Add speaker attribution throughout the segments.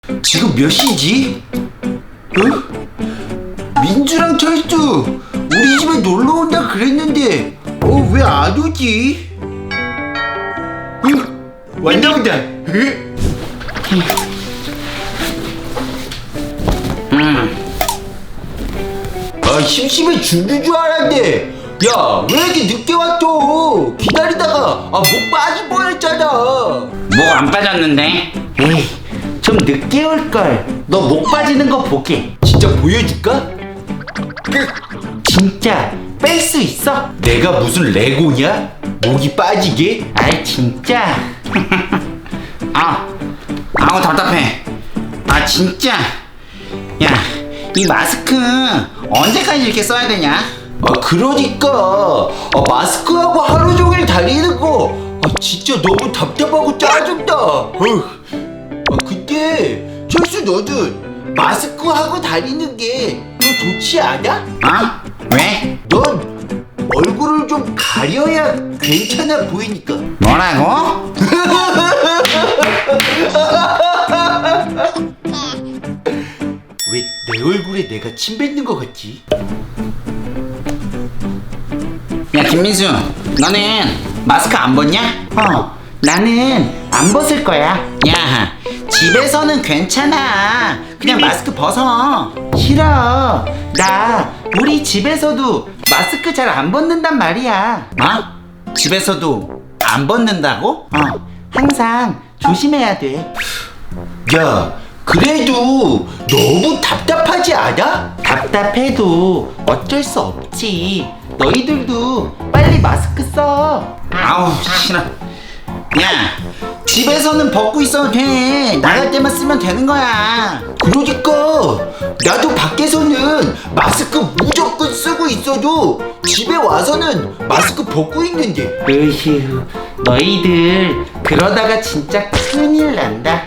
Speaker 1: 지금 몇 시지? 어? 민주랑 철수 우리 집에 놀러 온다 그랬는데 왜 안 오지? 왔나 보다. 심심해 죽는 줄 알았는데 야, 왜 이렇게 늦게 왔어? 기다리다가 목 빠질 뻔했잖아.
Speaker 2: 목 안 빠졌는데?
Speaker 1: 에이, 좀 늦게 올걸. 너 목 빠지는 거 보게. 진짜 보여줄까? 진짜 뺄 수 있어? 내가 무슨 레고냐? 목이 빠지게?
Speaker 2: 아이 진짜. 아우 답답해. 진짜. 야, 이 마스크 언제까지 이렇게 써야 되냐?
Speaker 1: 그러니까 마스크하고 하루 종일 다니는 거 진짜 너무 답답하고 짜증나. 근데 철수 너는 마스크하고 다니는 게 좋지 않아?
Speaker 2: 왜?
Speaker 1: 넌 얼굴을 좀 가려야 괜찮아 보이니까.
Speaker 2: 뭐라고?
Speaker 1: 왜 내 얼굴에 내가 침 뱉는 거 같지?
Speaker 2: 야 김민수, 너는 마스크 안 벗냐? 나는 안 벗을 거야. 야, 집에서는 괜찮아. 그냥 마스크 벗어. 싫어. 나 우리 집에서도 마스크 잘 안 벗는단 말이야. 집에서도 안 벗는다고? 항상 조심해야 돼.
Speaker 1: 야, 그래도 너무 답답하지 않아?
Speaker 2: 답답해도 어쩔 수 없지. 너희들도 빨리 마스크 써. 아우 싫어. 야, 집에서는 벗고 있어도 돼. 나갈 때만 쓰면 되는 거야.
Speaker 1: 그러니까 나도 밖에서는 마스크 무조건 쓰고 있어도 집에 와서는 마스크 벗고 있는데.
Speaker 2: 으휴, 너희들 그러다가 진짜 큰일 난다.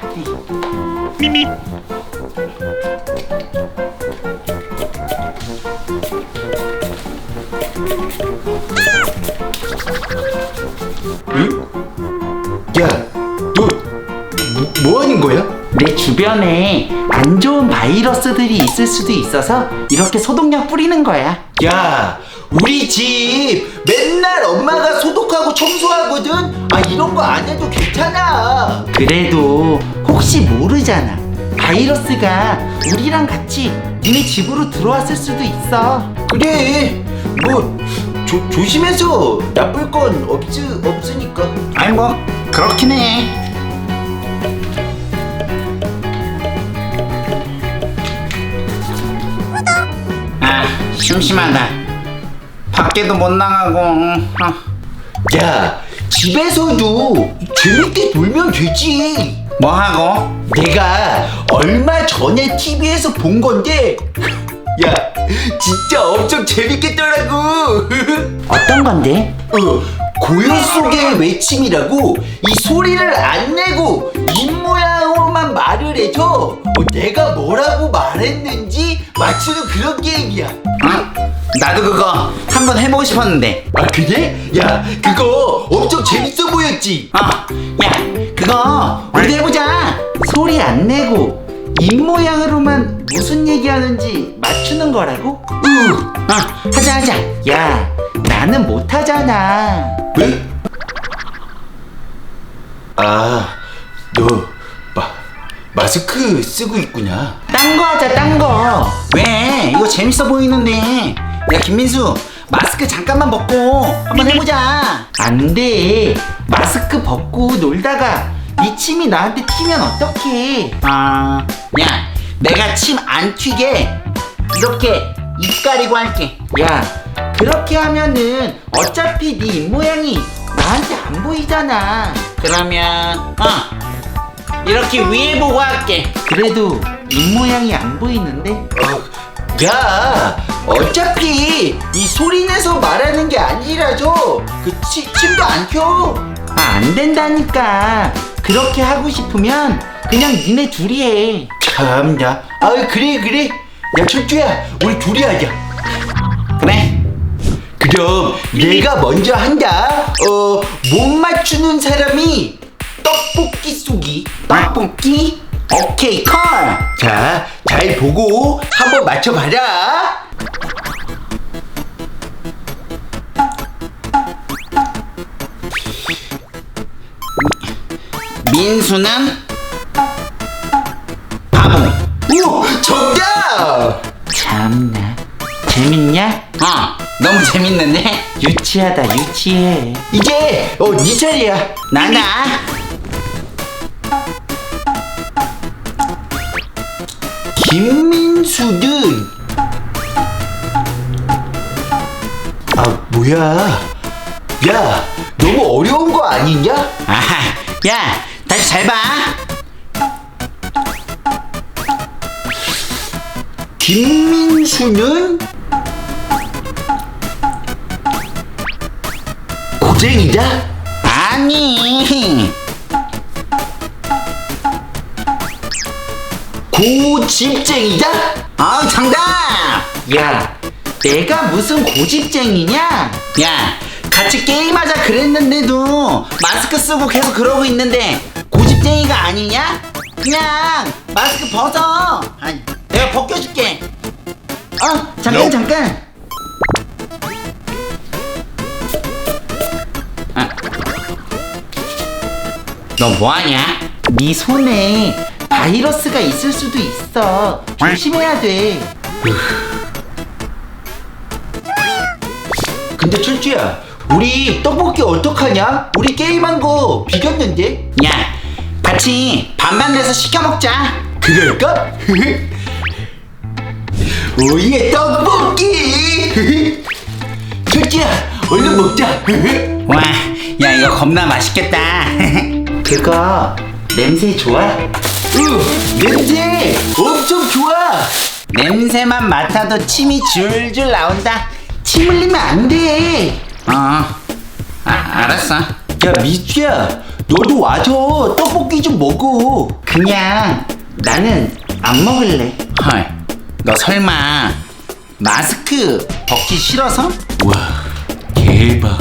Speaker 1: 응? 야, 너 뭐 하는 거야?
Speaker 2: 내 주변에 안 좋은 바이러스들이 있을 수도 있어서 이렇게 소독약 뿌리는 거야.
Speaker 1: 야, 우리 집 맨날 엄마가 소독하고 청소하거든. 이런 거 안 해도 괜찮아.
Speaker 2: 그래도 혹시 모르잖아. 바이러스가 우리랑 같이 니네 집으로 들어왔을 수도 있어.
Speaker 1: 그래, 뭐 조심해서 나쁠 건 없으니까.
Speaker 2: 아니 뭐 그렇긴 해. 심심하다. 밖에도 못 나가고.
Speaker 1: 야, 집에서도 재밌게 놀면 되지.
Speaker 2: 뭐 하고?
Speaker 1: 내가 얼마 전에 TV에서 본 건데, 야, 진짜 엄청 재밌겠더라고.
Speaker 2: 어떤 건데?
Speaker 1: 고요 속의 외침이라고 이 소리를 안 내고 입 모양으로만 말을 해서 내가 뭐라고 말했는지 맞추는 그런 게임이야.
Speaker 2: 나도 그거 한번 해보고 싶었는데.
Speaker 1: 그래? 야, 그거 엄청 재밌어 보였지?
Speaker 2: 야, 그거 우리도 해보자. 소리 안 내고 입 모양으로만 무슨 얘기하는지 맞추는 거라고? 하자. 야, 나는 못하잖아.
Speaker 1: 왜? 너 마스크 쓰고 있구나.
Speaker 2: 딴 거 하자, 딴 거. 왜? 이거 재밌어 보이는데. 야, 김민수, 마스크 잠깐만 벗고 한번 해보자. 안 돼. 마스크 벗고 놀다가 네 침이 나한테 튀면 어떡해. 야, 내가 침 안 튀게 이렇게 입 가리고 할게. 야, 그렇게 하면은 어차피 네 입 모양이 나한테 안 보이잖아. 그러면 이렇게 위에 보고 할게. 그래도 입 모양이 안 보이는데?
Speaker 1: 야, 어차피 이 소리 내서 말하는 게 아니라서 침도 안 켜.
Speaker 2: 안 된다니까. 그렇게 하고 싶으면 그냥 니네 둘이 해.
Speaker 1: 참나. 그래. 야, 철주야, 우리 둘이 하자.
Speaker 2: 그래.
Speaker 1: 그럼 내가 먼저 한다. 못 맞추는 사람이 떡볶이 쏘기.
Speaker 2: 떡볶이? 오케이 콜.
Speaker 1: 자, 잘 보고 한번 맞춰봐라.
Speaker 2: 민수는 바보.
Speaker 1: 오, 정답!
Speaker 2: 참나. 재밌냐? 너무 재밌는데? 유치하다 유치해.
Speaker 1: 이제 네 차례야.
Speaker 2: 나나.
Speaker 1: 김민수는 뭐야? 야, 너무 어려운 거 아니냐?
Speaker 2: 아하. 야, 다시 잘 봐.
Speaker 1: 김민수는 고쟁이다?
Speaker 2: 아니.
Speaker 1: 고집쟁이다?
Speaker 2: 정답. 야, 내가 무슨 고집쟁이냐? 야, 같이 게임하자 그랬는데도 마스크 쓰고 계속 그러고 있는데 고집쟁이가 아니냐? 그냥 마스크 벗어. 아니, 내가 벗겨줄게. 잠깐 잠깐. 너 뭐하냐? 네 손에 바이러스가 있을 수도 있어. 조심해야 돼.
Speaker 1: 근데 철주야, 우리 떡볶이 어떡하냐? 우리 게임한 거 비겼는데?
Speaker 2: 야, 같이 반반 돼서 시켜 먹자.
Speaker 1: 그럴까? 오예, 떡볶이! 철주야, 얼른 먹자.
Speaker 2: 와, 야 이거 겁나 맛있겠다. 그거 냄새 좋아?
Speaker 1: 냄새 엄청 좋아.
Speaker 2: 냄새만 맡아도 침이 줄줄 나온다. 침 흘리면 안 돼. 알았어.
Speaker 1: 야, 미주야, 너도 와서 떡볶이 좀 먹어.
Speaker 2: 그냥 나는 안 먹을래. 헐, 너 설마 마스크 벗기 싫어서?
Speaker 1: 와, 대박.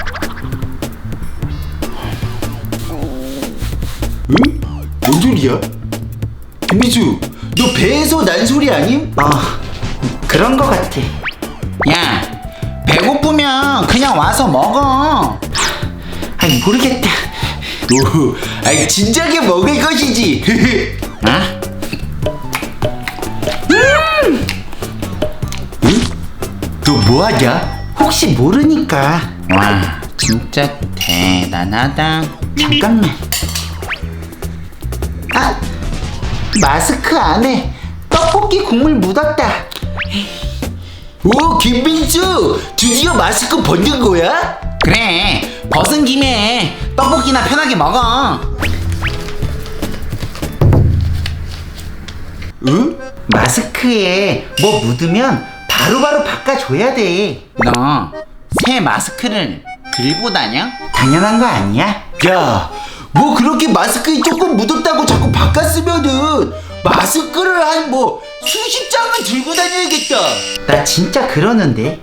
Speaker 1: 응? 뭔 소리야? 김미주, 너 배에서 난 소리 아님?
Speaker 2: 그런 거 같아. 야, 배고프면 그냥 와서 먹어. 아이, 모르겠다.
Speaker 1: 진작에 먹을 것이지. 응? 너 뭐하냐?
Speaker 2: 혹시 모르니까. 와, 진짜 대단하다. 잠깐만. 마스크 안에 떡볶이 국물 묻었다.
Speaker 1: 오, 김민수, 드디어 마스크 벗는 거야?
Speaker 2: 그래, 벗은 김에 떡볶이나 편하게 먹어.
Speaker 1: 응?
Speaker 2: 마스크에 뭐 묻으면 바로바로 바꿔줘야 돼. 너 새 마스크를 들고 다녀? 당연한 거 아니야?
Speaker 1: 야, 뭐 그렇게 마스크에 조금 묻었다고 자꾸 바꿨으면은 마스크를 한 뭐 수십 장은 들고 다녀야겠다.
Speaker 2: 나 진짜 그러는데.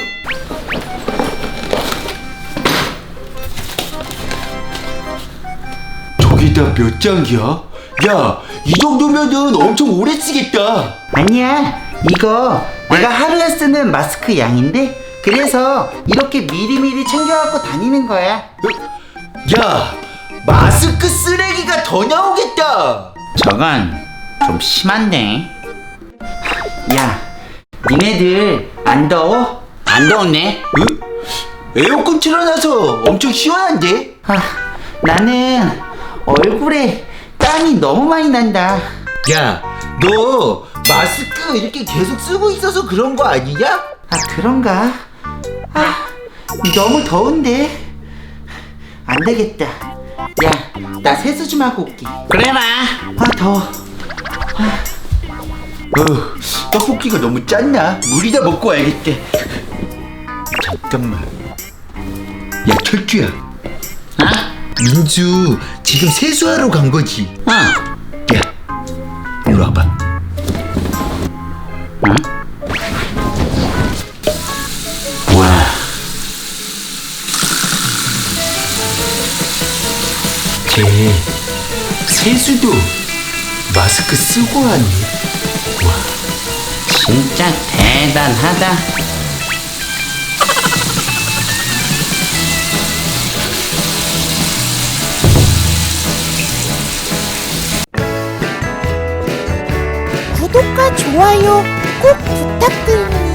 Speaker 1: 저기다 몇 장이야? 야, 이 정도면은 엄청 오래 쓰겠다.
Speaker 2: 아니야, 이거 내가 하루에 쓰는 마스크 양인데 그래서 이렇게 미리미리 챙겨갖고 다니는 거야.
Speaker 1: 야, 마스크 쓰레기가 더 나오겠다.
Speaker 2: 저건 좀 심한데. 야, 니네들 안 더워? 안 더웠네.
Speaker 1: 응? 에어컨 틀어놔서 엄청 시원한데?
Speaker 2: 나는 얼굴에 땀이 너무 많이 난다.
Speaker 1: 야, 너 마스크 이렇게 계속 쓰고 있어서 그런 거 아니냐?
Speaker 2: 그런가? 너무 더운데. 안 되겠다. 야, 나 세수 좀 하고 올게. 그래라. 더워.
Speaker 1: 떡볶이가 너무 짰나? 물이다 먹고 와야겠다. 잠깐만. 야, 철주야. 민주 지금 세수하러 간 거지? 야, 일로 와봐. 와. 쟤 세수도 마스크 쓰고 왔네.
Speaker 2: 진짜 대단하다.
Speaker 3: 구독과 좋아요 꼭 부탁드립니다.